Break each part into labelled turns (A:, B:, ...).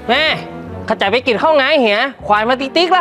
A: แม่ข้าจะไปกินข้าวไงเหียควายมาติ๊กละ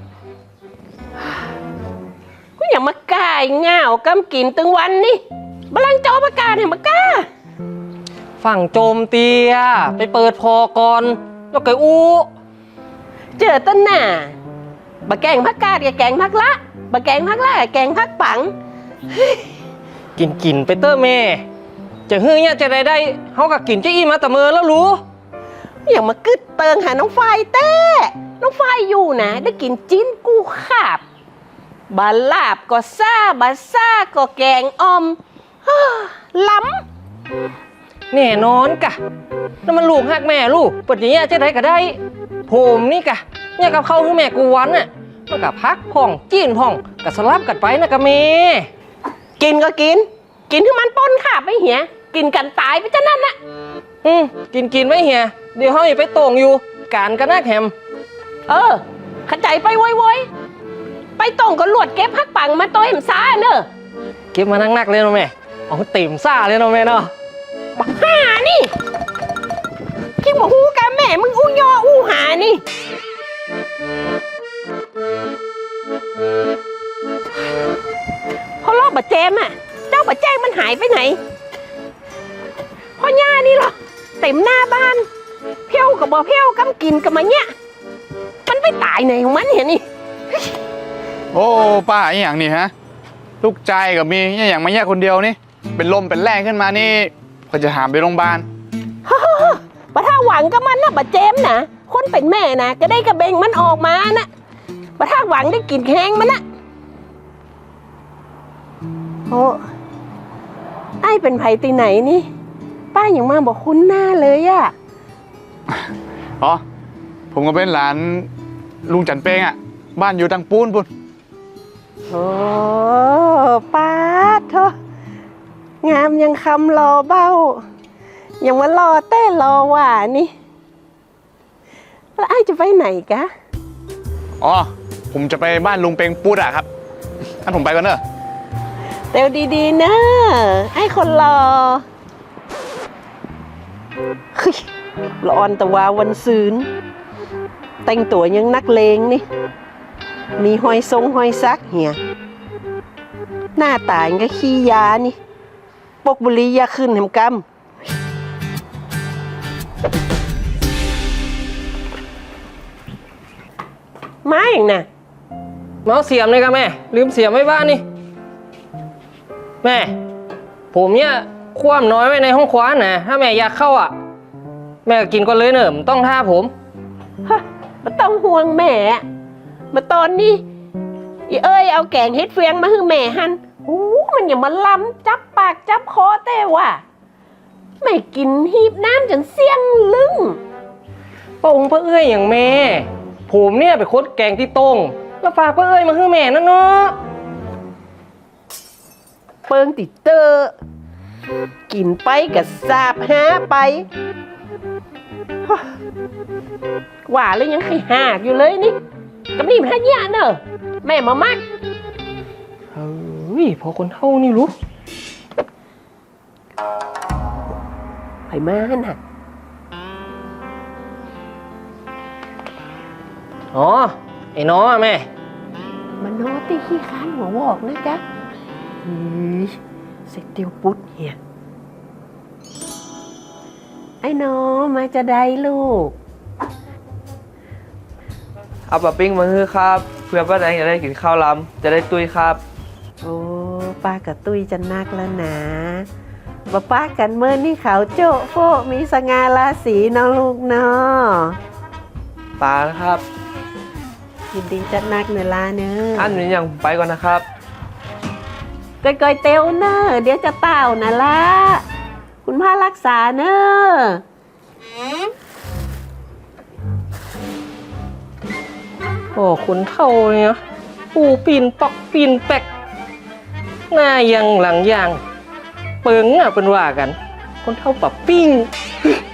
B: กูอย่ามากายเงากำกินตึงวันนี่บลังเจ้าประกาศเห็นมากล้า
A: ฝั่งโจมเตียไปเปิดพอก่อนแล้วก็อู้
B: เจอต้นหน้าบะแกงพักกาดกับแกงพักละบะแกงพักละกับแกงพักปัง
A: กินไปเตอร์แม่จะฮื้อเนี่ยจะได้เขากับกินจะอี้มาแต่เมื่อแล้วรู้
B: อย่ามากึดเติงหาน้องไฟเต้น้องไฟอยู่นะได้กินจิ้นกูขาบบาลาบก็ซ่าบาซ่าก็แกงอมล้
A: แน่นอนกะแล้วมันลูกหักแม่ลูกปัจจัยจะได้ก็ได้ผมนี่กะเนี่ยกับเขาคือแม่กูวันน่ะมันกับพักพ่องจีนพ่องกับสลับกันไปนะกะเม
B: กินก็กินที่มันป้นขาบไม่เหี้ยกินกันตายไปจะนั่นน่ะ
A: กินไว้เฮียเดี๋ยวเขาอย่าไปโต่งอยู่การกันนักแฮม
B: ขจายไปโวยไปโต่งก็หลวดเก็บพักปังมาตัวเอ็มซ่าเนอะ
A: เก็บมานักเลยเนาะแม่เอาเต็มซ่าเลยเนาะแม่เนาะ
B: บักห่านี่คิดว่าหูกะแม่มึงอู้ยออู้หานี่พอรอบบะเจมอ่ะเจ้าบะแจ้งมันหายไปไหนพ่อย่านี่หรอเต็มหน้าบ้านเพี้ยวกับบ่เพี้ยวกำกินกับมาเนี่ยมันไปตายไหนของมันเห็นนี่
C: โอ้ป้าอย่างนี้ฮะลูกใจกับมีอย่างมาแยกคนเดียวนี่เป็นลมเป็นแรงขึ้นมานี่ก็จะหามไปโรงพยาบาล
B: ปะถ้าหวังกับมันนะบะเจมนะคนเป็นแม่นะก็ได้กระเบงมันออกมานะปะถ้าหวังได้กินแข้งมันนะโอ้ไอ้เป็นไผ่ตีไหนนี่ป้าอย่างมาบอกคุ้นหน้าเลยอะ
C: อ๋อผมก็เป็นหลานลุงจันเป้งอ่ะบ้านอยู่ตังปูนปุ่น
B: โอ้ป้าเถอะงามยังคำรอเบ้ายังมารอเต้รอหว่านี่แล้วไอ้จะไปไหนกะ
C: อ๋อผมจะไปบ้านลุงเป้งปูดอะครับท่านผมไปก่อนเนอะ
B: เดี๋ยวดีๆนะไอ้คนรอร้อนแต่ว่าวันซืนแต่งตัวยังนักเลงนี่มีหอยทรงหอยซักเหี่ยหน้าตาก็ขี้ยานี่ปกบุรียาขึ้นแหมกำมาอย่างน่ะ
A: เมาเสียมเลยครับแม่ลืมเสียมไว้บ้านนี่แม่ผมเนี่ยคว่ำน้อยไว้ในห้องคว้านนะถ้าแม่อยากเข้าอ่ะแม่ก็กินก่อนเลยเนอะมันต้องท่าผม
B: มาต้องห่วงแม่มาตอนนี้เอ้ยเอาแกงเฮ็ดเฟียงมาให้แม่หันมันอย่ามาล้ำจับปากจับคอแต่ว่าไม่กินหีบน้ำจนเสี่ยงลึง
A: ป้าองค์ป้าเอ้ยอย่างแม่ผมเนี่ยไปคดแกงที่ต้งแล้วฝากป้าเอ้ยมาให้แม่นั่นเนาะ
B: เปิงติดเตอร์กินไปกับสาบหาไปว่าเลยยังให้หากอยู่เลยนี่กับนี่มันหายาเนอะแม่มามัก
A: เฮ้ยพอคนเท่านี่รู้
B: ไปมาน่ะ
A: อ๋อไอ้น้อแม่
B: มันน้อตีขี้ค้านหัววอกนะจ๊ะเสร็จเตียวปุ๊ดเฮียไอ้น้อมาจะได้ลูก
D: เอาปลาปิ้งมาให้ครับเพื่อป้าแดงจะได้กินข้าวล้ำจะได้ตุ้ยครับ
B: โอ้ป้ากับตุ้ยจะนักแล้วนะป้ากันเมื่อนี่เขาโจ๊ะโฟมีสง่าราศีน้องลูกเนาะ
D: ป้านะครับ
B: ยินดีจัดนักเนลาเนอะ
D: อันนี้ยังไปก่อนนะครับ
B: ก้อยเตียวเนอะเดี๋ยวจะเต่านะล่ะคุณพ่อรักษาเนอะ
A: โอ้คนเท่าเนี่ยปูปีนปอกปีนแปกหน้ายังหลังยางเปิงอ่ะเป็นว่ากันคนเท่าปะปิ้ง